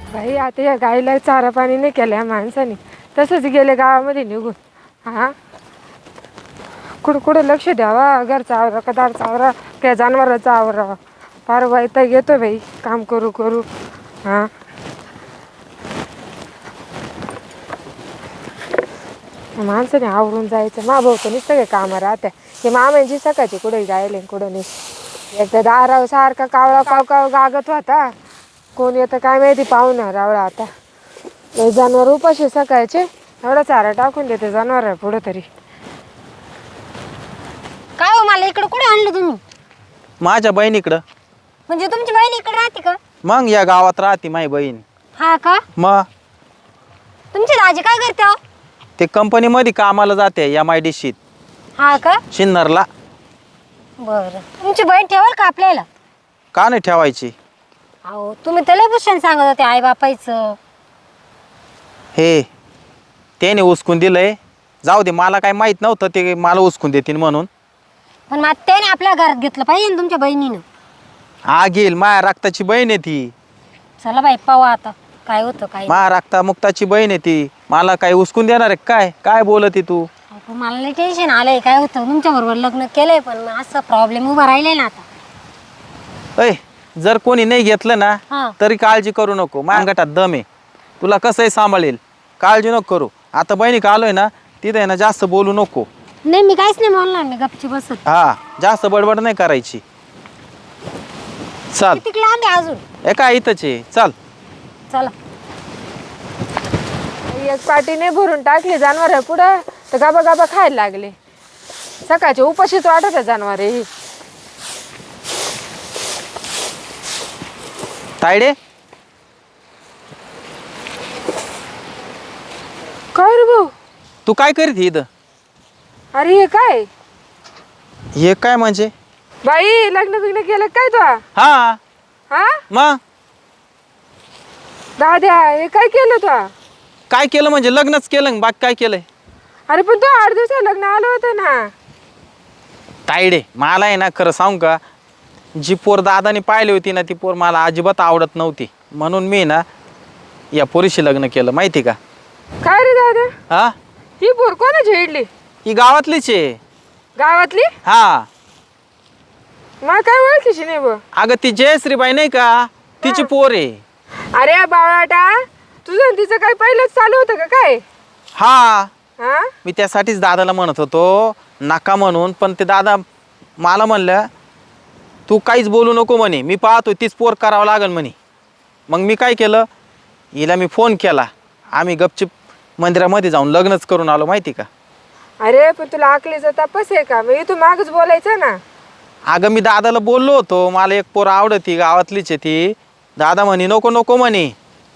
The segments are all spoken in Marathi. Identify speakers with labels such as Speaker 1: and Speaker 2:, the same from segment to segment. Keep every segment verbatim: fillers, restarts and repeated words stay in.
Speaker 1: बाई आता या गाईला चारा पाणी नाही केलं या माणसाने, तसंच गेले गावामध्ये निघून. हा कुठं कुठं लक्ष द्यावा, घरचा आवरा का दारचा आवरा, त्या जनावराचा आवरावा. फार वैताग येतो बाई काम करू करू. हा माणसाने आवरून जायचं. मा भाऊ तर नुसतं काय कामं राहत्या. हे मामांची सकाळची कुठे जायले कुठं नाही. एकदा दाराव सारखा कावळा काव काव गागत होता. कोण येतं काय माहिती पाहुणा रावळा. आता हे जनावर उपाशी सकाळचे, एवढा चारा टाकून देते जनावर पुढं तरी.
Speaker 2: काय हो, मला इकडं कुठे आणलं तुम्ही?
Speaker 3: माझ्या बहिणीकडं.
Speaker 2: म्हणजे तुमची बहीण इकडे राहते का?
Speaker 3: मग या गावात राहते माझी बहीण.
Speaker 2: हा का?
Speaker 3: मग
Speaker 2: तुमची दाजी काय करते हो?
Speaker 3: ते कंपनीमध्ये कामाला जाते एम आय डी सीत
Speaker 2: हा का?
Speaker 3: शिन्नरला.
Speaker 2: बरं, तुमची बहीण ठेवाल का आपल्याला?
Speaker 3: का नाही ठेवायची?
Speaker 2: अहो तुम्ही त्याला भूषण सांगत होते आई बापायचं.
Speaker 3: हे त्याने उचकून दिलंय. जाऊ दे, मला काय माहित नव्हतं ते मला उचकून देतील म्हणून.
Speaker 2: पण मग त्याने आपल्या घरात घेतलं पाहिजे ना तुमच्या बहिणीनं.
Speaker 3: हा घेईल, माया रक्ताची बहीण आहे ती.
Speaker 2: चला बाई पाहू आता काय होतं काय.
Speaker 3: माया रक्ता मुक्ताची बहीण आहे ती. मला काय उचकून देणार आहे काय? काय बोलती तू?
Speaker 2: अहो, मला लई टेन्शन आलंय. काय होतं, तुमच्या बरोबर लग्न केलंय पण असं प्रॉब्लेम उभा राहिलाय ना आता.
Speaker 3: अय जर कोणी नाही घेतलं ना
Speaker 2: हा.
Speaker 3: तरी काळजी करू नको. माझ्या गटात दम आहे, तुला कसंही सांभाळेल. काळजी नको करू. आता बहिणी का आलोय ना तिथे ना जास्त बोलू नको.
Speaker 2: नाही मी काहीच नाही बोलणार, मी गपची बसत.
Speaker 3: हा जास्त बडबड नाही करायची. चाल.
Speaker 2: किती लांब आहे अजून?
Speaker 3: एका इथंच आहे, चाल.
Speaker 2: चला.
Speaker 1: एक पाटीने भरून टाकली जनावर पुढं, तर गाबा गाबा खायला लागले. सकाळचे उपाशीच वाटत आहे जनावर ही.
Speaker 3: तायडे
Speaker 1: काय रे भाऊ?
Speaker 3: तू काय करीत इथं?
Speaker 1: अरे हे काय
Speaker 3: हे काय म्हणजे?
Speaker 1: बाई लग्न बिग्न केलं काय तू?
Speaker 3: हा
Speaker 1: हा
Speaker 3: मग
Speaker 1: दाद्या हे काय केलं तू?
Speaker 3: काय केलं म्हणजे लग्नच केलं, बाकी काय केलंय?
Speaker 1: अरे पण तू आठ दिवसात लग्न आलं होतं ना.
Speaker 3: तायडे मला आहे ना खरं सांगू का, जी पोर दादाने पाहिली होती ना ती पोर मला अजिबात आवडत नव्हती. म्हणून मी ना या पोरीशी लग्न केलं, माहिती का?
Speaker 1: काय रे दादा,
Speaker 3: हा
Speaker 1: ही पोर कोणाची इडली?
Speaker 3: ही गावातलीच आहे.
Speaker 1: गावातली?
Speaker 3: हा
Speaker 1: मला काय ओळखीची नाही बघ.
Speaker 3: अगं ती जयश्रीबाई नाही का, तिची पोर आहे.
Speaker 1: अरे बावळाटा, तुझं आणि तिचं काय पहिलंच चालू होतं का काय?
Speaker 3: हा
Speaker 1: हा
Speaker 3: मी त्यासाठीच दादाला म्हणत होतो नका म्हणून, पण ते दादा मला म्हणलं तू काहीच बोलू नको म्हणे, मी पाहतो तीच पोर करावं लागेल म्हणे. मग मी काय केलं, हिला मी फोन केला. आम्ही गपचिप मंदिरामध्ये जाऊन लग्नच करून आलो, माहिती का?
Speaker 1: अरे पण तुला आकलीचा तपास आहे का? मग तू मागच बोलायचं ना.
Speaker 3: अगं मी दादाला बोललो होतो मला एक पोर आवडती, गावातलीच आहे ती. दादा म्हणे नको नको म्हणे.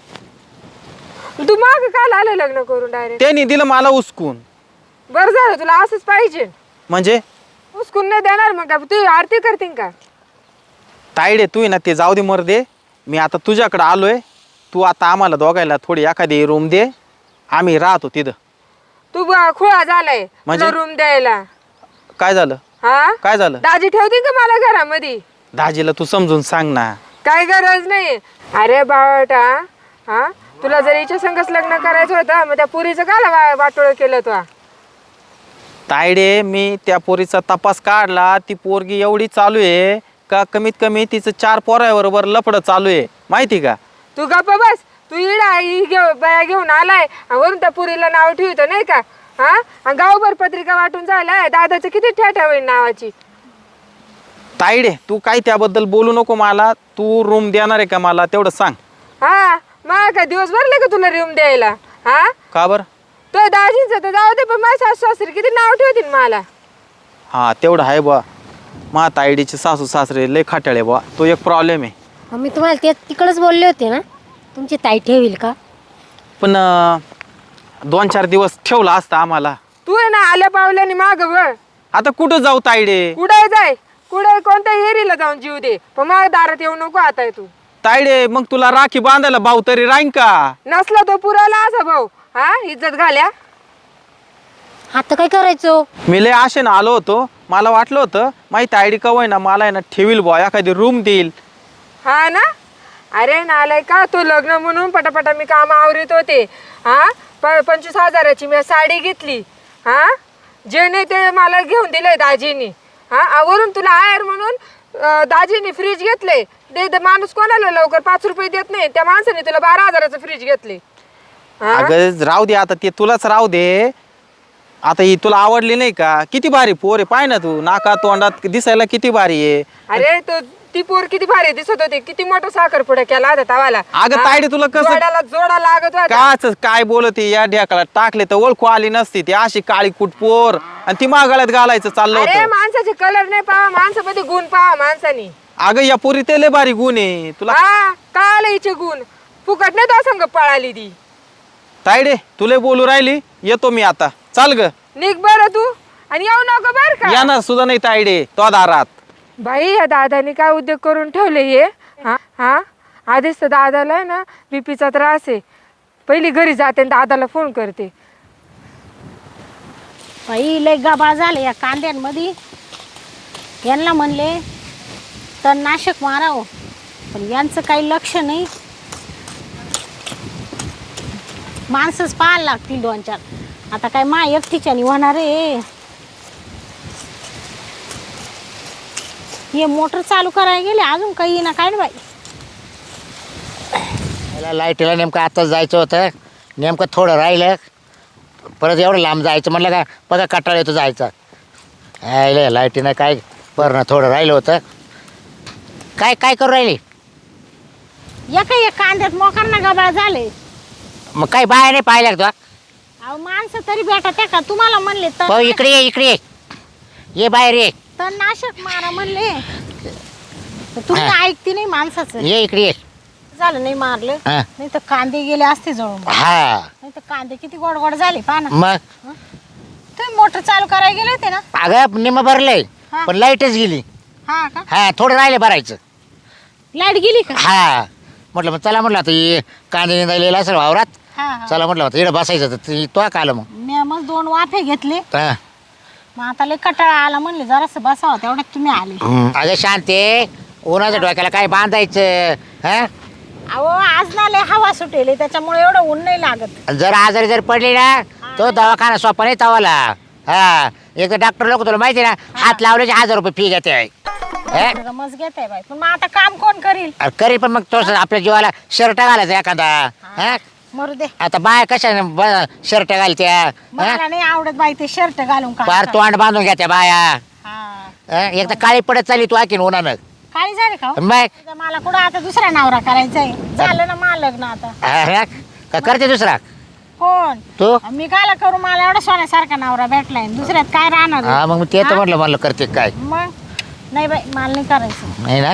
Speaker 1: तू माग काल आलं लग्न करून डायरेक्ट?
Speaker 3: त्यांनी दिलं मला उचकून.
Speaker 1: बरं झालं, तुला असंच पाहिजे.
Speaker 3: म्हणजे
Speaker 1: उचकून नाही देणार मग का तू आरती करतीन का?
Speaker 3: तायडे तू ना ते जाऊ दे मर दे. मी आता तुझ्याकडे आलोय, तू आता आम्हाला दोघायला थोडी एखादी रूम दे, आम्ही राहतो तिथं.
Speaker 1: तू खुळा झालाय
Speaker 3: म्हणजे?
Speaker 1: रूम द्यायला.
Speaker 3: काय झालं?
Speaker 1: हा
Speaker 3: काय झालं?
Speaker 1: दाजी ठेवते का मला घरामध्ये?
Speaker 3: दाजीला तू समजून सांग ना.
Speaker 1: काय गरज नाही. अरे बावटा, हा तुला जर हिच्या संगच लग्न करायचं होतं मग त्या पुरीचं का वाटोळ केलं तू?
Speaker 3: तायडे मी त्या पोरीचा तपास काढला. ती पोरगी एवढी चालू आहे का कमीत कमी तिचं चार पोराबरोबर लफडं चालू आहे, माहिती का?
Speaker 1: तू गप्प बस. तू इडा ही घेऊ बाया घेऊन आलाय आणि वरून त्या पुरीला नाव ठेवतो नाही का? हा आणि गावभर पत्रिका वाटून जायलाय. दादाचं किती ठ्याठ्या होईल नावाची.
Speaker 3: तायडे तू काय त्याबद्दल बोलू नको मला. तू रूम देणार आहे का मला तेवढं सांग.
Speaker 1: हा मग काय दिवस भरले का तुला रूम द्यायला? हा
Speaker 3: का बरं?
Speaker 1: तो दाजींचं तर जाऊ दे, पण माझ्या सासू सासरी किती नाव ठेवतील मला.
Speaker 3: हा तेवढं आहे बा. मा तायडीचे सासू सासरे लय खाटाळे बा, तो एक प्रॉब्लेम आहे.
Speaker 2: मग मी तुम्हाला ते तिकडच बोलले होते ना, तुमची ताई ठेवील का?
Speaker 3: पण अं, दोन चार दिवस ठेवला असता आम्हाला.
Speaker 1: तू आहे ना आल्या पावल्याने माग वळ.
Speaker 3: आता कुठं जाऊ तायडे?
Speaker 1: कुठे जाय, कुठे कोणत्या एरीला जाऊन जीव दे, पण माझ्या दारात येऊ नको आता तू.
Speaker 3: तायडे मग तुला राखी बांधायला भाऊ तरी राहीन का?
Speaker 1: नसला तो पुराला असा भाऊ. हा इज्जत घाल्या.
Speaker 2: आता काय करायचं?
Speaker 3: मी लय आशेनं आलो होतो, मला वाटलं होतं माहिती तायडी कवय ना मला आहे ना ठेवील बुवा, एखादी रूम देईल.
Speaker 1: हा ना, अरे नालाय का तू लग्न म्हणून पटापटा मी काम आवरीत होते हा प पंचवीस हजाराची मी साडी घेतली हा जे नाही ते मला घेऊन दिलंय दाजीनी हा वरून तुला आयर म्हणून अं, दाजीनी फ्रीज घेतले दे दे माणूस कोणाला लवकर पाच रुपये देत नाही त्या माणसाने तुला बारा हजाराचं फ्रीज घेतले हा?
Speaker 3: अगं राहू दे आता ते तुलाच राहू दे आता ही तुला आवडली नाही का किती भारी पोर आहे पाय ना तू नाका तोंडात दिसायला किती भारी आहे
Speaker 1: अरे तो ती पोर किती भारी दिसत होती किती मोठा साखरपुडा केला होता तवाला
Speaker 3: अगं
Speaker 1: हा?
Speaker 3: तायडे तुला कसं
Speaker 1: जोडाला जोडा लागत होता
Speaker 3: काच काय बोलते या ढेकाला टाकले तर ओळखू आली नसती ती अशी काळी कुटपोर आणि ती मागाळ्यात घालायचं चाललं
Speaker 1: अरे
Speaker 3: होतं
Speaker 1: माणसाचे कलर नाही पाहा माणसामध्ये गुण पाहा माणसानी
Speaker 3: अगं या पोरी ते लय भारी गुण आहे तुला
Speaker 1: हा काय हिचे गुण फुकट नाही तो संग पळाली ती
Speaker 3: तायडे तुला बोलू राहिली येतो मी आता चाल ग
Speaker 1: निघ बरं तू आणि येऊ नको बर का
Speaker 3: येणार सुद्धा नाही तायडे तो दारात
Speaker 1: बाई या दादानी काय उद्योग करून ठेवले हे हा हा आधीच तर दादाला आहे ना बीपीचा त्रास आहे पहिली घरी जाते आणि दादाला फोन करते
Speaker 2: बाई लय गबाळ झाले या कांद्यांमध्ये यांना म्हणले तर नाशक मारावं पण यांचं काही लक्ष नाही माणसंच पाहायला लागतील दोन चार आता काय मा एकटीच्यानी होणार आहे हे मोटर चालू करायला गेले अजून काही ना काय ना बाई
Speaker 4: मला लाईटीला नेमकं आताच जायचं होतं नेमकं थोडं राहिलं परत एवढं लांब जायचं म्हणलं का बघा कटाळ येतो जायचा राहिलं लाईटीनं काय बरं ना थोडं राहिलं होतं काय काय करू राहिली
Speaker 2: एका एक कांद्यात मोकरणा गबाळ झाले
Speaker 4: मग काही बाया नाही पाहिल्या का
Speaker 2: अहो माणसं तरी भेटा त्या का तुम्हाला म्हणले
Speaker 4: तो
Speaker 2: तर
Speaker 4: इकडे ये इकडे ये ये बाहेर ये
Speaker 2: तर नाशक मारा म्हणले तर तुम्ही ऐकते नाही माणसाचं
Speaker 4: ये इकडे ये
Speaker 2: झालं नाही मारलं
Speaker 4: हा
Speaker 2: नाही तर कांदे गेले असते जळून
Speaker 4: हा
Speaker 2: नाही तर कांदे किती गोड गोड झाले पहा ना
Speaker 4: मग
Speaker 2: तुम्ही मोटर चालू करायला गेले होते ना
Speaker 4: अगं निम भरलंय
Speaker 2: हा.
Speaker 4: पण लाईटच गेली
Speaker 2: हा का
Speaker 4: हा थोडं राहिलं भरायचं
Speaker 2: लाईट गेली का
Speaker 4: हा म्हटलं मग चला म्हटलं आता हे कांदे निंदायला असेल वावरात
Speaker 2: हा हा
Speaker 4: चला म्हटलं होतं इकडं बसायचं तर ती तो का आलं मग
Speaker 2: मी मग दोन वाफे घेतले
Speaker 4: हा
Speaker 2: मग आता लय कटाळा आला म्हणले जरासं बसावं तेवढ्यात तुम्ही आले
Speaker 4: हम्म. अगं शांते उन्हाच्या डोक्याला काय बांधायचं हा
Speaker 2: अहो आज ना लय हवा सुटेली त्याच्यामुळे एवढं ऊन नाही लागत
Speaker 4: जर आजारी जर पडली ना तो दवाखाना सोपा नाही तवाला हा एक तर डॉक्टर लोक तुला माहिती ना हात लावल्याचे हजार रुपये फी घेते हे?
Speaker 2: मज घेत आहे बाई पण मग आता काम कोण करील
Speaker 4: अरे करी पण मग तो आपल्या जीवाला शर्ट घालायचा एखादा हा
Speaker 2: मरू दे
Speaker 4: आता बाया कशा शर्ट घालत्या हा?
Speaker 2: मला नाही आवडत बाई ते शर्ट घालून काम
Speaker 4: पार तोंड बांधून घ्या त्या बाया
Speaker 2: हा
Speaker 4: हा? एक तर काळी पडत चालली तू आखीन उन्हानं
Speaker 2: काळी झाली का हो?
Speaker 4: मग
Speaker 2: आता मला कुठं आता दुसरा नवरा करायचा आहे झालं ना मला लग्न आता
Speaker 4: हा? का करते दुसरा
Speaker 2: कोण
Speaker 4: तू
Speaker 2: मी कायला करू मला एवढा सोन्यासारखा नवरा भेटलाय दुसऱ्यात काय राहणार आहे?
Speaker 4: हा मग ते तर म्हटलं म्हणलं करते काय
Speaker 2: मग नाही बाई मला नाही करायचं
Speaker 4: नाही ना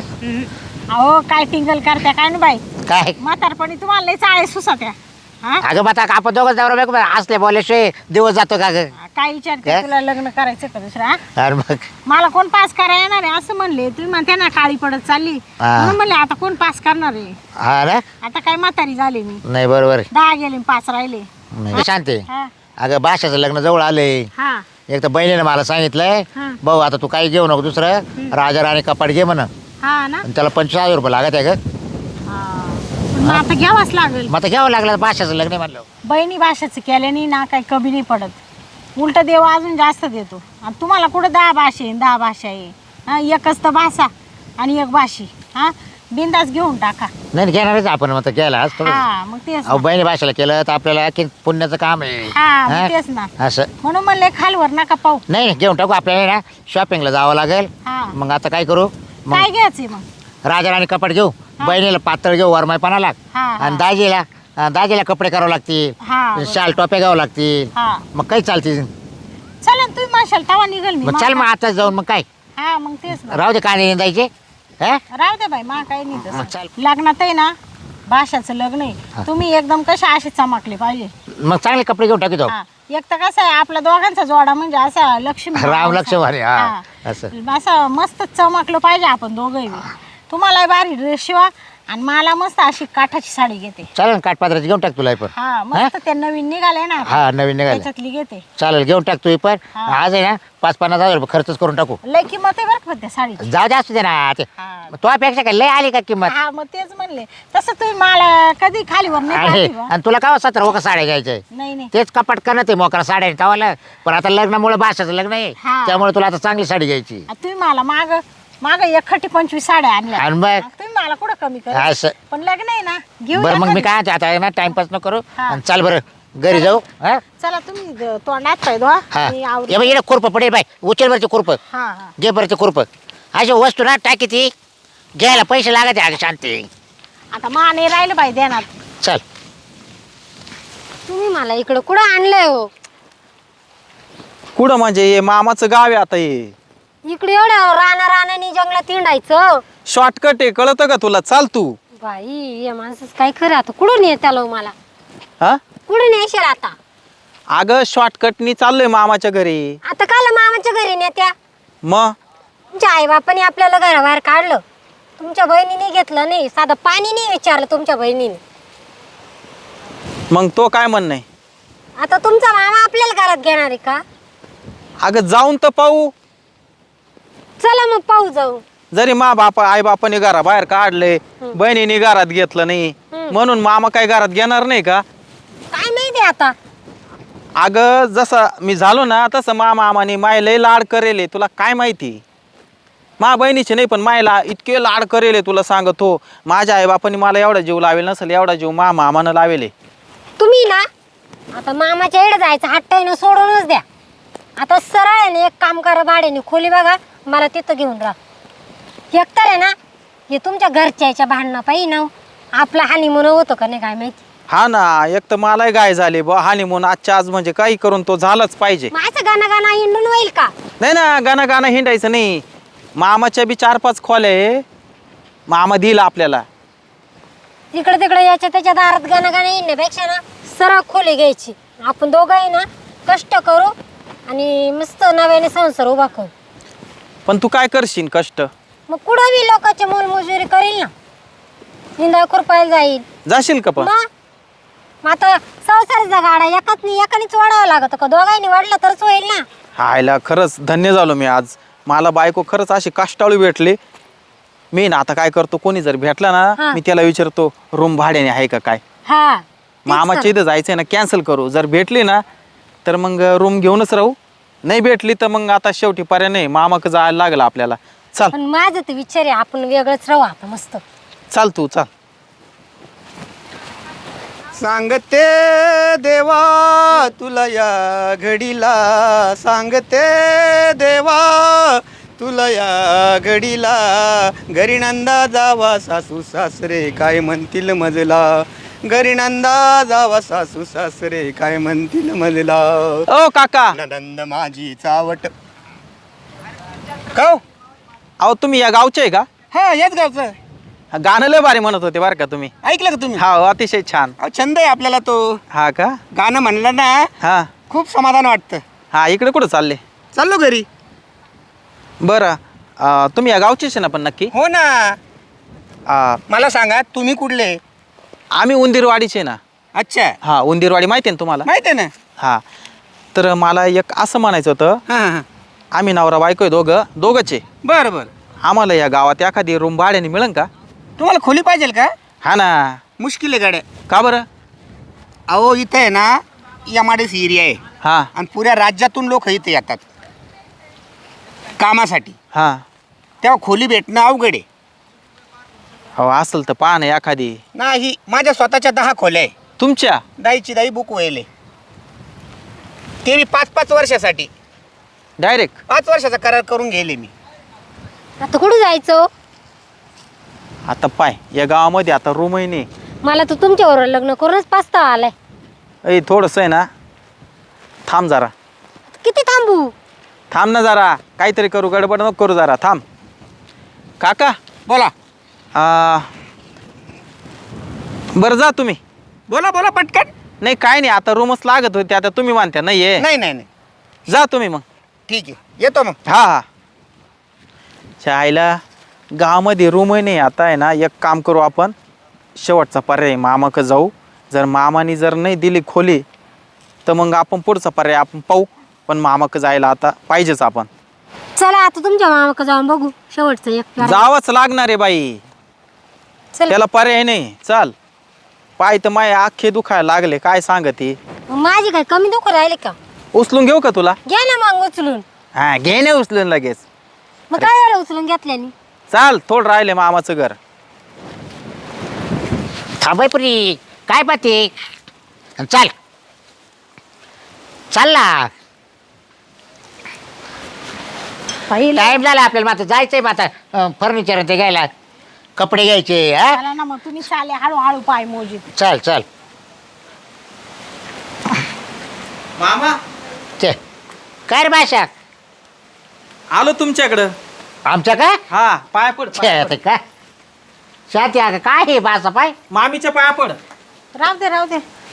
Speaker 2: अहो काय टिंगल करत्या काय ना बाई
Speaker 4: काय
Speaker 2: म्हातारपणी तुम्हाला लई चाळे सुसत्या हा
Speaker 4: अगं मग आता आपण दोघं जाऊ बघ असले बोलल्याशिवाय दिवस जातो का ग
Speaker 2: काय विचारते
Speaker 4: काय?
Speaker 2: तुला लग्न करायचं का दुसरा हा?
Speaker 4: अरे मग
Speaker 2: मला कोण पास करायला येणार आहे असं म्हणले तुम्ही म्हणते ना काळी पडत चालली
Speaker 4: हा.
Speaker 2: म्हणून म्हणले आता कोण पास करणार आहे
Speaker 4: हा ना
Speaker 2: आता काय म्हातारी झाली मी
Speaker 4: नाही बरोबर आहे.
Speaker 2: दहा गेले आणि पाच राहिले
Speaker 4: नाही शांती
Speaker 2: हा
Speaker 4: अगं बाशाचं लग्न जवळ आलंय
Speaker 2: हा
Speaker 4: एक तर बहिणीने मला सांगितलंय
Speaker 2: हा.
Speaker 4: भाऊ आता तू काही घेऊ नको दुसरं राजा राणी कपाट घे म्हण
Speaker 2: हा ना
Speaker 4: आणि त्याला पंचवीस हजार रुपये लागत आहे ग
Speaker 2: हा. पण मग आता घ्यावाच लागेल
Speaker 4: मग आता घ्यावं लागलं बाशाचं लग्न आहे म्हणलं
Speaker 2: बहिणी भाषेचं केल्याने ना काही कमी नाही पडत उलट देव अजून जास्त देतो आणि तुम्हाला कुठं दहा भाषे आहे, दहा भाषा आहे हा एकच तर भाषा आणि एक भाषी हा बिंदास घेऊन टाका
Speaker 4: नाही घेणारच आपण मग आता घ्यायला आज थोडं
Speaker 2: हा मग तेच
Speaker 4: अहो
Speaker 2: ना.
Speaker 4: बहिणी भाषेला केलं तर आपल्याला आणखी पुण्याचं काम आहे
Speaker 2: हा मग
Speaker 4: हा?
Speaker 2: तेच ना
Speaker 4: असं
Speaker 2: म्हणून म्हणले खालवर नका पाहू
Speaker 4: नाही नाही, घेऊन टाकू आपल्याला ना शॉपिंगला जावं लागेल
Speaker 2: हा
Speaker 4: मग आता काय करू मग
Speaker 2: काय घ्यायचंय मग
Speaker 4: राजा राणी कपाट घेऊ बहिणीला पातळ घेऊ वरमायपणाला
Speaker 2: हा, हा.
Speaker 4: आणि दाजीला अं, दाजीला कपडे करावं लागतील
Speaker 2: हा
Speaker 4: शाल टोप्या घ्यावं लागतील
Speaker 2: हा
Speaker 4: मग काही चालतील
Speaker 2: चला ना तुम्ही म्हणशाल तवा निघल मी
Speaker 4: मग चल मग आता जाऊन मग काय
Speaker 2: हा मग तेच ना
Speaker 4: राहू दे कांदे निंदायचे हा
Speaker 2: राहू दे बाई मा काही नाही
Speaker 4: मग
Speaker 2: तसं
Speaker 4: चल
Speaker 2: लग्नात आहे ना भाषाचं लग्न आहे तुम्ही एकदम कशा असे चमकले पाहिजे
Speaker 4: मग चांगले कपडे घेऊन टाकी
Speaker 2: हा एक तर कसं आहे आपल्या दोघांचा जोडा म्हणजे असा लक्ष्मी
Speaker 4: राम लक्ष्मण आहे, हा,
Speaker 2: हा.
Speaker 4: असं.
Speaker 2: असं मस्त चमकलं पाहिजे आपण दोघंही तुम्हाला भारी ड्रेस शिवा आणि मला मस्त अशी काठाची साडी घेते.
Speaker 4: चालेल ना, काठपात्राची घेऊन टाक तुला ही पण.
Speaker 2: हा मस्त ते नवीन निघाले ना आता.
Speaker 4: हा नवीन निघाले.
Speaker 2: त्याच्यातली घेते.
Speaker 4: चालेल घेऊन टाक तू ही पण.
Speaker 2: हा.
Speaker 4: आज आहे ना पाच पन्नास हजार रुपये खर्चच करून टाकू.
Speaker 2: लय किंमत आहे बरं का त्या साडीची.
Speaker 4: जाऊ दे असू दे ना ते.
Speaker 2: हा.
Speaker 4: तुझ्यापेक्षा काय लय आली का किंमत?
Speaker 2: हा मग तेच म्हणले. तसं तुम्ही मला कधी खालीवर नाही
Speaker 4: आहे.
Speaker 2: पाहिली बा.
Speaker 4: आणि तुला काय सतरा वका साड्या घ्यायच्या
Speaker 2: नाही नाही.
Speaker 4: तेच कपाट करणं ते मोकरा साड्या तवाला. पण आता लग्नामुळे भाषाचं लग्न आहे
Speaker 2: हा.
Speaker 4: त्यामुळे तुला आता चांगली साडी घ्यायची.
Speaker 2: आ, तुम्ही मला माग माग एकखटी पंचवीस साड्या आणल्या.
Speaker 4: आणि मग?
Speaker 2: आ, तुम्ही मला कुठं कमी करा.
Speaker 4: असं.
Speaker 2: पण लग्न आहे ना घेऊ
Speaker 4: बरं
Speaker 2: या
Speaker 4: मग मी
Speaker 2: कधी.
Speaker 4: काय म्हणते, आता आहे ना टाइमपास न करू
Speaker 2: हा.
Speaker 4: आणि चाल बरं घरी जाऊ. हा
Speaker 2: चला तुम्ही द- तोंडात पाय धुवा.
Speaker 4: हा
Speaker 2: मी आवरून-
Speaker 4: ये बाई, इकडे खुरपं पडेल बाय. उचल बरचे खुरपं.
Speaker 2: हा हा.
Speaker 4: घे बरचे खुरपं. अशी वस्तू ना टाकी ती घ्यायला पैसे लागते अगं शांती.
Speaker 2: आता मा नाही राहिलं बाई देणार.
Speaker 4: चल.
Speaker 1: तुम्ही मला इकडं कुठं आणलंय हो?
Speaker 3: कुठं म्हणजे हे मामाचं गाव आहे आता हे.
Speaker 1: इकडे एवढं राणा राणानी जंगलात हिंडायचं.
Speaker 3: शॉर्टकट आहे कळतं का तुला? चाल तू.
Speaker 1: बाई या माणसाच काय खरं आता कुठून येत्यालो मला?
Speaker 3: हा
Speaker 1: कुठून येशील आता?
Speaker 3: अगं शॉर्टकटनी चाललोय मामाच्या घरी.
Speaker 1: आता काल मामाच्या घरी नेत्या?
Speaker 3: मग
Speaker 1: तुमच्या आई बापाने आपल्याला घराबाहेर काढलं, तुमच्या बहिणीने घेतलं नाही, साधं पाणी नाही विचारलं तुमच्या बहिणीने.
Speaker 3: मग तो काय म्हणणं आहे?
Speaker 1: आता तुमचा मामा आपल्याला घरात घेणार आहे का?
Speaker 3: अगं जाऊन तर पाहू.
Speaker 1: चला मग पाहू जाऊ.
Speaker 3: जरी मा बापा आई बापाने घरा बाहेर काढले, बहिणीने घरात घेतलं नाही, म्हणून मामा काय घरात घेणार नाही का?
Speaker 1: काय माहिती आता.
Speaker 3: अगं जसं मी झालो ना तसं मा मामाने माय लय लाड करेले. तुला काय माहिती? मा बहिणीचे नाही पण मायला इतके लाड करेले तुला सांगतो. माझ्या आई बापाने मला एवढा जीव लावेल नसेल एवढा जीव मा मामानं लावेले.
Speaker 1: तुम्ही ना आता मामाच्या इकडे जायचं हट्टाईनं सोडूनच द्या. आता सरळ एक काम करा, भाड्याने खोली बघा, मला तिथं घेऊन राहा. एकतर आहे ना हे तुमच्या घरच्याच्या भांडणं पाहिजे ना आपला हानिमून होतं का नाही काय माहिती.
Speaker 3: हा ना, एक तर मलाही गाय झाली बा हानी म्हणून आजच्या आज म्हणजे काही करून तो झालाच पाहिजे.
Speaker 1: माझं गाणं गाणं हिंडून होईल का?
Speaker 3: नाही ना, गाणं गाणं हिंडायचं नाही. मामाच्या बी चार पाच खोल्या आहे, मामा दिला आपल्याला.
Speaker 1: इकडे तिकडे याच्या त्याच्या दारात गाणं गाणं हिंडण्यापेक्षा ना सरळ खोली घ्यायची. आपण दोघंही ना कष्ट करू आणि मस्त नव्याने संसार उभा करू.
Speaker 3: पण तू काय करशील कष्ट?
Speaker 1: मग कुठं बी लोकांची मोलमजुरी करील ना, निंदा खुरपायला जाईल.
Speaker 3: जाशील का पण?
Speaker 1: मग मग आता संसाराचा गाडा एकाच नाही एकानेच वाढावं लागत का? दोघांनी वाढला तरच होईल ना.
Speaker 3: हायला खरंच धन्य झालो मी आज. मला बायको खरंच अशी कष्टाळू भेटली. मी ना आता काय करतो, कोणी जर भेटला
Speaker 1: हा.
Speaker 3: ना मी त्याला विचारतो रूम भाड्याने आहे का काय.
Speaker 1: हा
Speaker 3: मामाच्या इथं जायचंय ना, कॅन्सल करू. जर भेटली ना तर मग रूम घेऊनच राहू, नाही भेटली तर मग आता शेवटी पर्याय नाही, मामाक जायला लागलं आपल्याला. चाल
Speaker 1: पण माझं तर विचार आहे आपण वेगळंच राहू आता मस्त.
Speaker 3: चाल तू चाल.
Speaker 5: सांगते देवा तुला या घडीला, सांगते देवा तुला या घडीला, घरी नंदा जावा सासू सासरे काय म्हणतील मजला, घरी नंदा जावा सासू सासरे काय म्हणतील मजला.
Speaker 3: ओ काका,
Speaker 5: नंद माझी चावट. का
Speaker 3: अहो तुम्ही या गावचे आहे का?
Speaker 5: हा याच गावचं
Speaker 3: गाणं लय भारी म्हणत होते बरं का तुम्ही.
Speaker 5: ऐकलं का तुम्ही?
Speaker 3: हा अतिशय छान.
Speaker 5: अहो, छंद आहे आपल्याला तो.
Speaker 3: हा का?
Speaker 5: गाणं म्हणलं ना
Speaker 3: हा
Speaker 5: खूप समाधान वाटतं.
Speaker 3: हा इकडे कुठं चालले?
Speaker 5: चाललो घरी.
Speaker 3: बरं अं, तुम्ही या गावचेच आहे ना पण नक्की?
Speaker 5: हो ना.
Speaker 3: अं,
Speaker 5: मला सांगा तुम्ही कुठले?
Speaker 3: आम्ही उंदीरवाडीचे ना.
Speaker 5: अच्छा
Speaker 3: हा उंदीरवाडी माहिती आहे ना तुम्हाला?
Speaker 5: माहिती आहे ना.
Speaker 3: हा तर मला एक असं म्हणायचं होतं,
Speaker 5: हां हां
Speaker 3: आम्ही नवरा बायको आहे दोघं दोघंच आहे.
Speaker 5: बरं बरं.
Speaker 3: आम्हाला या गावात एखादी रूम भाड्याने मिळेल का?
Speaker 5: तुम्हाला खोली पाहिजे का?
Speaker 3: हा ना.
Speaker 5: मुश्किल आहे गाड्या.
Speaker 3: का बरं?
Speaker 5: अहो इथं आहे ना एमआयडीसी एरिया आहे
Speaker 3: हा
Speaker 5: आणि पुऱ्या राज्यातून लोक इथे येतात कामासाठी.
Speaker 3: हा
Speaker 5: तेव्हा खोली भेटणं अवघड आहे.
Speaker 3: हो असेल तर पहा ना एखादी.
Speaker 5: नाही माझ्या स्वतःच्या दहा खोल्या आहे.
Speaker 3: तुमच्या?
Speaker 5: दाईची दाई बुक व्हायले, ते मी पाच पाच वर्षासाठी
Speaker 3: डायरेक्ट?
Speaker 5: पाच वर्षाचा करार करून गेले मी.
Speaker 1: आता कुठं जायचं?
Speaker 3: आता पाय या गावामध्ये आता रूमही नाही.
Speaker 1: मला तर तुमच्याबरोबर लग्न करूनच पास्ता आलाय.
Speaker 3: ऐ थोडंसं आहे ना, थांब जरा.
Speaker 1: किती थांबू?
Speaker 3: थांब ना जरा, काहीतरी करू, गडबड नको करू, जरा थांब. काका
Speaker 5: बोला
Speaker 3: आ, बरं जा तुम्ही.
Speaker 5: बोला बोला पटकन.
Speaker 3: नाही काय नाही, आता रूमच लागत होती, आता तुम्ही मानत्या नाही आहे.
Speaker 5: नाही नाही नाही
Speaker 3: जा तुम्ही मग.
Speaker 5: ठीक आहे येतो मग.
Speaker 3: हा हा. चायला गावामध्ये रूमही नाही आता आहे ना, एक काम करू आपण, शेवटचा पर्याय मामाकडे जाऊ. जर मामाने जर नाही दिली खोली तर मग आपण पुढचा पर्याय आपण पाहू. पण मामाकडे जायला आता पाहिजेच आपण.
Speaker 6: चला आता तुमच्या मामाकडे जाऊन बघू शेवटचं एक प्लॅन.
Speaker 3: जावंच लागणार आहे बाई,
Speaker 6: चला
Speaker 3: त्याला पर्याय नाही. चाल, पाय तर माय अख्खे दुखायला लागले, काय सांगते.
Speaker 6: मग माझी काय कमी दुखू राहिले का?
Speaker 3: उचलून घेऊ का तुला?
Speaker 6: घ्या ना मग उचलून.
Speaker 3: हा घे ना उचलून लगेच.
Speaker 6: मग काय झालं उचलून घेतल्याने?
Speaker 3: चाल, थोडं राहिले मामाचं घर.
Speaker 4: थांबाय पुरी काय पाहते, चाल चाल ना.
Speaker 2: पाहिलं
Speaker 4: टाइम झाला आपल्याला, मात्र जायचंय मग आता फर्निचर ते घ्यायला, कपडे घ्यायचे. हा
Speaker 2: चला ना मग तुम्ही चाले हळूहळू पाय मोजीत.
Speaker 4: चल चल
Speaker 3: मामा
Speaker 4: ते काय रे भाषा
Speaker 3: आलो तुमच्याकडं.
Speaker 4: आमच्या काय
Speaker 3: हा, पाया पड, पाया पड.
Speaker 4: ते काय शाती आहे का? काय हे बासा पाय?
Speaker 3: मामीच्या पाया पड.
Speaker 2: राहू दे राहू दे.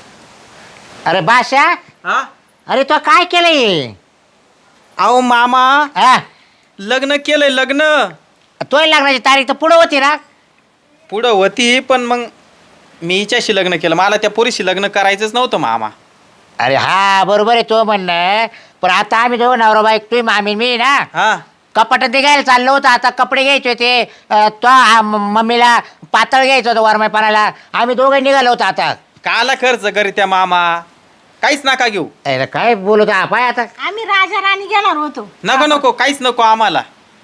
Speaker 4: अरे बाशा,
Speaker 3: हा,
Speaker 4: अरे तो काय केलंय?
Speaker 3: अहो मामा,
Speaker 4: हा
Speaker 3: लग्न केलंय लग्न.
Speaker 4: तो लग्नाची तारीख तर पुढे होती ना.
Speaker 3: पुढं होती पण मग मी हिच्याशी लग्न केलं, मला त्या पोरीशी लग्न करायचंच नव्हतं मामा.
Speaker 4: अरे हा बरोबर आहे तो म्हणणं, पण आता आम्ही दोघं नवरा बाईक, तुम्ही मामी मी ना,
Speaker 3: हा,
Speaker 4: कपाटात ते घ्यायला चाललो होतं. आता कपडे घ्यायचे होते, अं, तो आ- म- मम्मीला पातळ घ्यायचं होतं वरमायपणाला. आम्ही दोघं निघालो होतो. आता
Speaker 3: काला खर्च करी त्या मामा, काहीच नका घेऊ.
Speaker 4: अरे काय बोलत हा पाय? आता
Speaker 2: आम्ही राजा राणी घेणार होतो.
Speaker 3: नको नको, काहीच नको आम्हाला.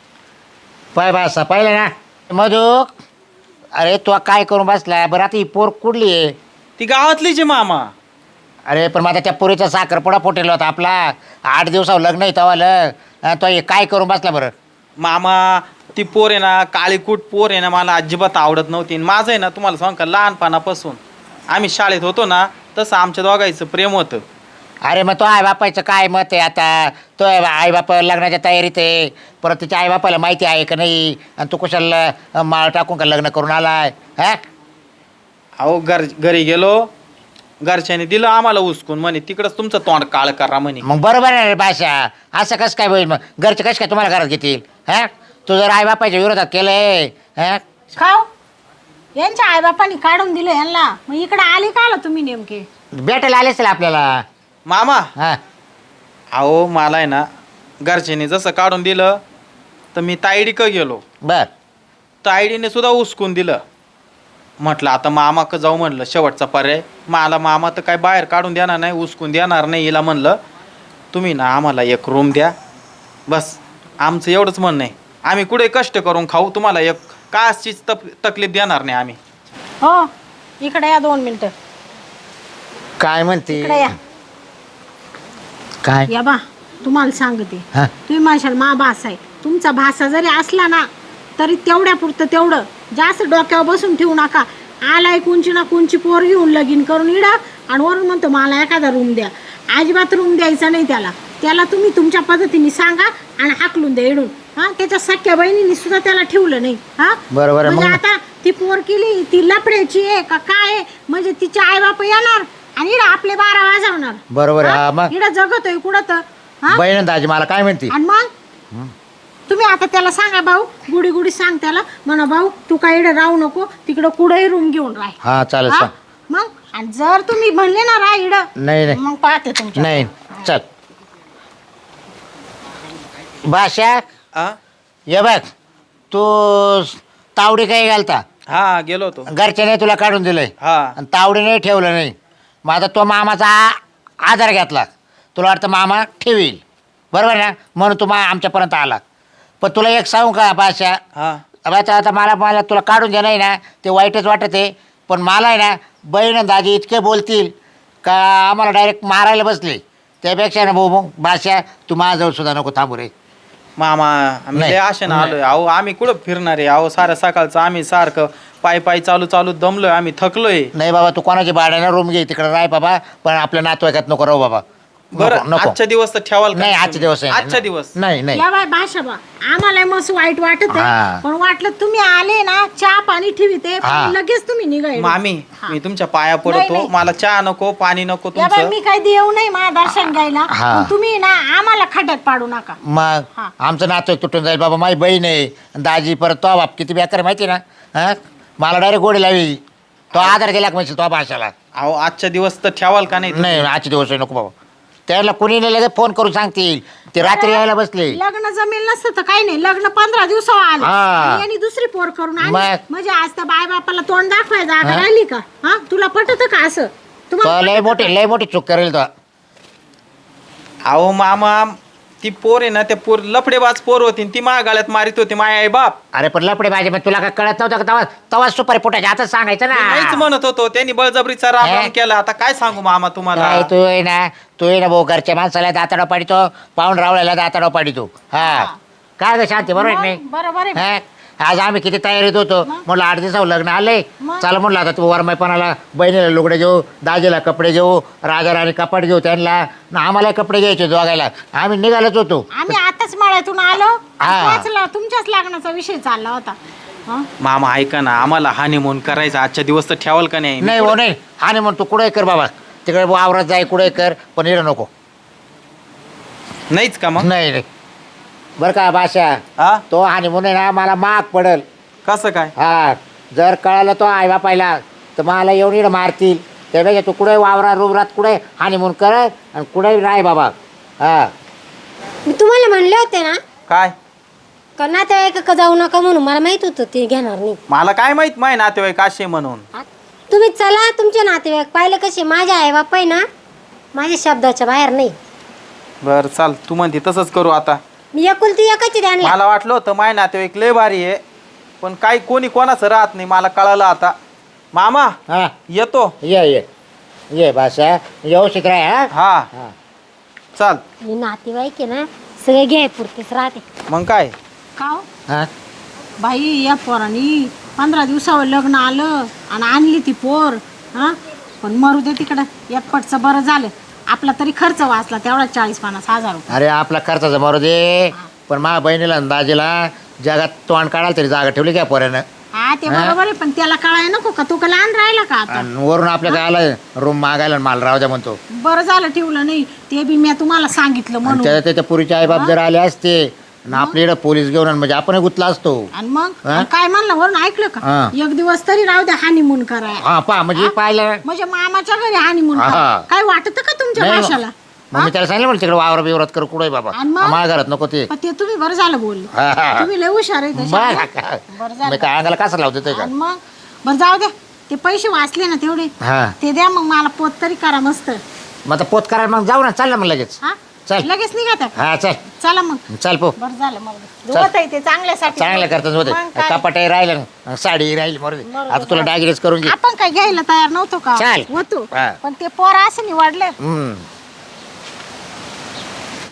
Speaker 4: पाय बासा पाहिलं ना मधू. अरे तो काय करून बसला बरं? आता ही पोर कुठली आहे?
Speaker 3: ती गावातलीच आहे मामा.
Speaker 4: अरे पण माझा त्या पोरीचा साखरपुडा फुटेल होता आपला, आठ दिवसावर लग्न आहे तवालं. अं, तो हे काय करून बसला बरं?
Speaker 3: मामा ती पोर आहे ना, काळीकूट पोर आहे ना, मला अजिबात आवडत नव्हती. आणि माझं आहे ना, तुम्हाला सांग का, लहानपणापासून आम्ही शाळेत होतो ना, तसं आमच्या दोघांचं प्रेम होतं.
Speaker 4: अरे मग तो आईबापाचं काय मत आहे आता? तो आईबापा लग्नाच्या तयारीत आहे, परत तिच्या आईबापाला माहिती आहे का नाही? आणि तू कशाला अं, माळ टाकून का लग्न करून आलाय? हा
Speaker 3: अहो घर घरी गेलो, घरच्याने दिलं आम्हाला उचकून, म्हणे तिकडंच तुमचं तोंड काळ करा म्हणे.
Speaker 4: मग बरोबर आहे रे भाषा. असं कसं काय होईल? मग घरचे कसं काय तुम्हाला घरात घेतील? हा तू जर आईबापाच्या विरोधात केलंय, हा
Speaker 2: खाऊ यांच्या आईबापांनी काढून दिलं यांना, मग इकडे आले का आला तुम्ही नेमके?
Speaker 4: भेटायला आलेच आपल्याला.
Speaker 3: मामा,
Speaker 4: हा
Speaker 3: अहो मला आहे ना, घरच्याने जसं काढून दिलं तर मी तायडी क गेलो,
Speaker 4: बर
Speaker 3: तायडीने सुद्धा उचकून दिलं. म्हटलं आता मामाक जाऊ, म्हणलं शेवटचा पर्याय. मला मामा तर काय बाहेर काढून देणार नाही, उचकून देणार नाही. हिला म्हणलं तुम्ही ना आम्हाला एक रूम द्या, बस आमचं एवढंच म्हणणं आहे. आम्ही कुठे कष्ट करून खाऊ, तुम्हाला एक काचीच तप तकलीफ देणार नाही आम्ही.
Speaker 2: हो इकडे या दोन मिनिटं.
Speaker 4: काय म्हणते?
Speaker 2: इकडे या.
Speaker 4: काय?
Speaker 2: या बा तुम्हाला सांगते,
Speaker 4: हा
Speaker 2: तुम्ही म्हणशाल मा भासा आहे, तुमचा भासा जरी असला ना तरी तेवढ्या पुरतं तेवढं, जास्त डोक्यावर बसून ठेवू नका. आलाय कोणची ना कोणची पोर घेऊन लगीन करून इडा आणि वरून म्हणतो मला एखादा रूम द्या. अजिबात रूम द्यायचा नाही त्याला. त्याला तुम्ही तुमच्या पद्धतीने सांगा आणि हाकलून द्या इडून. हा त्याच्या सख्या बहिणीने सुद्धा त्याला ठेवलं नाही. हा
Speaker 4: बरोबर आहे.
Speaker 2: म्हणजे
Speaker 4: मग
Speaker 2: आता ती पोर केली ती लपड्याची आहे का काय आहे? म्हणजे तिचे आई बाप येणार आणि इडा आपले बारा वाजवणार.
Speaker 4: बरोबर आहे. हा मग
Speaker 2: इडा जगतोय कुठं तर. हा
Speaker 4: बहीण दाजी मला काय म्हणते?
Speaker 2: आणि मग तुम्ही आता त्याला सांगा भाऊ, गुडी गुडी सांग त्याला, म्हणा भाऊ तू काय इकडे राहू नको, तिकडं कुठेही रूम घेऊन राह.
Speaker 4: हा चालेल
Speaker 2: हा?
Speaker 4: सांग.
Speaker 2: मग आणि जर तुम्ही म्हणले ना राह इकडं,
Speaker 4: नाही नाही
Speaker 2: मग पाहते तुमच्या.
Speaker 4: नाही चल भाषा.
Speaker 3: आ?
Speaker 4: ये बघ तू तावडी काही घालता,
Speaker 3: हा गेलो होतो.
Speaker 4: घरच्याने तुला काढून दिलंय
Speaker 3: हा,
Speaker 4: आणि तावडीने ठेवलं नाही. मग आता तो मामाचा आ- आधार घेतला, तुला वाटतं मामा ठेवील, बरोबर ना? म्हणून तू मा आमच्यापर्यंत आला. पण तुला एक सांगू का भाषा,
Speaker 3: हा,
Speaker 4: आता आता मला मला तुला काढून देणं आहे ना, ते वाईटच वाटत आहे. पण मला आहे ना, बहीण आणि दाजी इतके बोलतील का आम्हाला डायरेक्ट मारायला बसले. त्यापेक्षा ना भाऊ भाऊ भाषा तू माझ्याजवळ सुद्धा नको थांबू रे.
Speaker 3: मामा आम्ही
Speaker 4: नाही.
Speaker 3: लय आशेनं आलोय. अहो आम्ही कुठं फिरणार आहे? अहो सारं सकाळचं आम्ही सारखं पाय पाय चालू चालू दमलोय, आम्ही थकलोय.
Speaker 4: नाही बाबा, तू कोणाची भाड्यानं रूम घे, तिकडे राह बाबा, पण आपल्या नातवाईकात नको राहू बाबा.
Speaker 3: बरं
Speaker 4: नको, नको.
Speaker 3: आजच्या दिवस तर ठेवाल का
Speaker 4: नाही
Speaker 3: तुम्ही?
Speaker 4: आजचे दिवस आहे.
Speaker 3: आजच्या दिवस
Speaker 4: नाही नाही
Speaker 2: या बाय भाषा बा आम्हाला मस्त वाईट वाटत
Speaker 4: हा.
Speaker 2: आहे पण वाटलं तुम्ही आले ना चहा पाणी ठेवीते
Speaker 4: हा.
Speaker 2: लगेच तुम्ही निघाय
Speaker 3: मामी मी तुमच्या पाया
Speaker 2: नाही,
Speaker 3: पडतो
Speaker 2: नाही.
Speaker 3: मला चहा नको पाणी नको
Speaker 2: या बाय
Speaker 3: तुमचं
Speaker 2: मी काही देऊ नाही माझ्या दर्शन घ्यायला
Speaker 4: हा.
Speaker 2: पण तुम्ही ना आम्हाला खड्यात पाडू नका
Speaker 4: मग
Speaker 2: हा.
Speaker 4: आमचं नातं तुटून जाईल बाबा माझी बहीण आहे दाजी परत तो बाप किती बेकार आहे माहिती आहे ना हा मला डायरेक्ट गोडी लावी तो आधार गेला का म्हणजे तो भाषाला
Speaker 3: अहो आजच्या दिवस तर ठेवाल का नाही
Speaker 4: नाही आजचे दिवस आहे, नको बाबा त्याला कुणी नाही लगेच फोन करून सांगतील ते रात्री यायला बसले
Speaker 2: लग्न जमेल नसतं तर काही नाही लग्न पंधरा दिवसावर आलं
Speaker 4: हा.
Speaker 2: आणि यांनी दुसरी पोर करून आणली.
Speaker 4: मग?
Speaker 2: म्हणजे आज त्या बाय बापाला तोंड दाखवाय जागा
Speaker 4: हा?
Speaker 2: राहिली का हा तुला पटत का असं
Speaker 4: तो
Speaker 2: तुम्हाला
Speaker 4: लय
Speaker 2: पटतं
Speaker 4: मोठी लय मोठी चूक करेल तो
Speaker 3: अहो मामा ती पोर आहे ना त्या पोर लफडेबाज पोर होती ती माझ्या गाळ्यात मारित होती माय आई बाप
Speaker 4: अरे पण लपडे माझे मग तुला काय कळत नव्हतं का तवा तवा सुपारी पोटाच्या आता सांगायचं
Speaker 3: नाहीच
Speaker 4: ना
Speaker 3: म्हणत होतो त्यांनी बळजबरीचा राम
Speaker 4: हे?
Speaker 3: राम केला आता काय सांगू मामा तुम्हाला
Speaker 4: काय तू आहे ना तू आहे ना भाऊ घरच्या माणसाला दाताडा पाडितो पाहून रावळ्याला दाताडा पाडितो हा काय ग शांती बरोबर आहे की
Speaker 2: मग बरोबर आहे
Speaker 4: नाही हा? आज आम्ही किती तयारीत होतो म्हटलं आठ दिवसावर लग्न आले
Speaker 2: मग?
Speaker 4: चला म्हटलं आता तू वरमाईपणाला बहिणीला लुगडे घेऊ दाजीला कपडे घेऊ राजा राणी कपाट घेऊ त्यांना न आम्हाला कपडे घ्यायचे दोघायला आम्ही निघालोच होतो
Speaker 2: आम्ही आताच मळ्यातून आलो
Speaker 4: हा.
Speaker 2: तोच ल- तुमच्याच लग्नाचा विषय चालला होता हं?
Speaker 3: मामा ऐका ना आम्हाला हानिमून करायचा आजच्या दिवस तर ठेवाल का नाही
Speaker 4: नाही हो नाही आणि म्हणून तू कुठे कर बाबा तिकडे वावरात जाय कुठे कर पण इकडे नको
Speaker 3: नाहीच का मग
Speaker 4: नाही नाही बरं का भाषा
Speaker 3: हा
Speaker 4: तो आणि म्हणून ना मला माग पडल
Speaker 3: कसं काय
Speaker 4: हा जर कळालं तो आई बापायला तर मला येऊन इकडे मारतील त्यापेक्षा तू कुठे वावरा रुबरात कुठे हानी म्हणून कर आणि कुठे राय बाबा हा
Speaker 6: मी तुम्हाला म्हणले होते ना
Speaker 3: काय
Speaker 6: का नातेवाईक का जाऊ नका म्हणून मला माहित होतं ते घेणार नाही
Speaker 3: मला काय माहित माय नातेवाईक असे म्हणून
Speaker 6: आ- तुम्ही चला तुमचे नातेवाईक पाहिले कसे माझे आई बाप आहे ना माझ्या शब्दाच्या बाहेर नाही
Speaker 3: बर चाल तू म्हणते तसंच करू आता
Speaker 6: मी एकुलती एकाची त्यांना
Speaker 3: मला वाटलं होतं माय नातेवाईक लय भारी आहे पण काही कोणी कोणाचं राहत नाही मला कळालं आता मामा
Speaker 4: हा
Speaker 3: येतो
Speaker 4: ये ये ये भाषा व्यवस्थित राय हा
Speaker 3: हा
Speaker 4: हा
Speaker 3: चाल
Speaker 6: मी नातेवाईक आहे ना सगळे घ्याय पुरतेच राहते
Speaker 3: मग काय
Speaker 2: का हो?
Speaker 4: हा
Speaker 2: बाई या पोरानी पंधरा दिवसावर लग्न आलं आणि आणली ती पोर हा पण मरू दे तिकडं एकपटचं बरं झालं आपला तरी खर्च वाचला तेवढा चाळीस पन्नास हजार रुपये
Speaker 4: अरे आपला खर्चाचा मारू दे पण माझ्या बहिणीला आणि दाजीला जगात तोंड काढायला तरी जागा ठेवली काय पोऱ्यानं
Speaker 2: हा ते बरोबर आहे पण त्याला कळाय नको का तो का लहान राहिला का आता
Speaker 4: आणि वरून आपल्या काय आलं रूम मागायला आणि मला राहू द्या म्हणतो
Speaker 2: बरं झालं ठेवलं नाही ते बी मी तुम्हाला सांगितलं
Speaker 4: आणि
Speaker 2: म्हणून
Speaker 4: त्या त्याच्या पुरीचे आईबाप जर आले असते आणि आपल्या इकडे पोलीस घेऊन आण, म्हणजे आपण गुतला असतो
Speaker 2: आणि मग
Speaker 4: हा?
Speaker 2: आणि काय म्हणलं वरून ऐकलं
Speaker 4: हा.
Speaker 2: का एक दिवस तरी राहू द्या हानिमून कराय
Speaker 4: हा पा म्हणजे पाहिलं
Speaker 2: म्हणजे मामाच्या घरी हानिमून
Speaker 4: हा.
Speaker 2: काय वाटत का तुमच्या
Speaker 4: नाही,
Speaker 2: भाषाला
Speaker 4: मग मी त्याला सांगितलं म्हणलं तिकडे वावर बिवरात कर कुठे बाबा
Speaker 2: आणि मग?
Speaker 4: माझ्या घरात नको ते
Speaker 2: पण ते तुम्ही बरं झालं बोलले
Speaker 4: हा, हा.
Speaker 2: तुम्ही लय हुशार आहे तसे.
Speaker 4: मग काय?
Speaker 2: बरं
Speaker 4: मी
Speaker 2: झालं
Speaker 4: काय अंगाला कसं लावते ते का
Speaker 2: आणि मग बरं जाऊ द्या ते पैसे वाचले ना तेवढे
Speaker 4: हा
Speaker 2: ते द्या मग मला पोत तरी करा मस्त
Speaker 4: मग आता पोत करायला मग जाऊ ना चाललं मग लगेच
Speaker 2: हा
Speaker 4: चल.
Speaker 2: लगेच निघा त्या
Speaker 4: हा चल
Speaker 2: चला मग
Speaker 4: चल पो
Speaker 2: बरं झालं मग होत आहे ते चांगल्यासाठी
Speaker 4: चांगलं करतात होते
Speaker 2: मग काय?
Speaker 4: कपाटही राहिलं ना, साडी राहिली मरू दे. आता तुला डागिरीच करून घे
Speaker 2: आपण काय घ्यायला तयार नव्हतो का
Speaker 4: चाल.
Speaker 2: होतो
Speaker 4: हा.
Speaker 2: पण ते पोर असं निवडले
Speaker 4: हम्म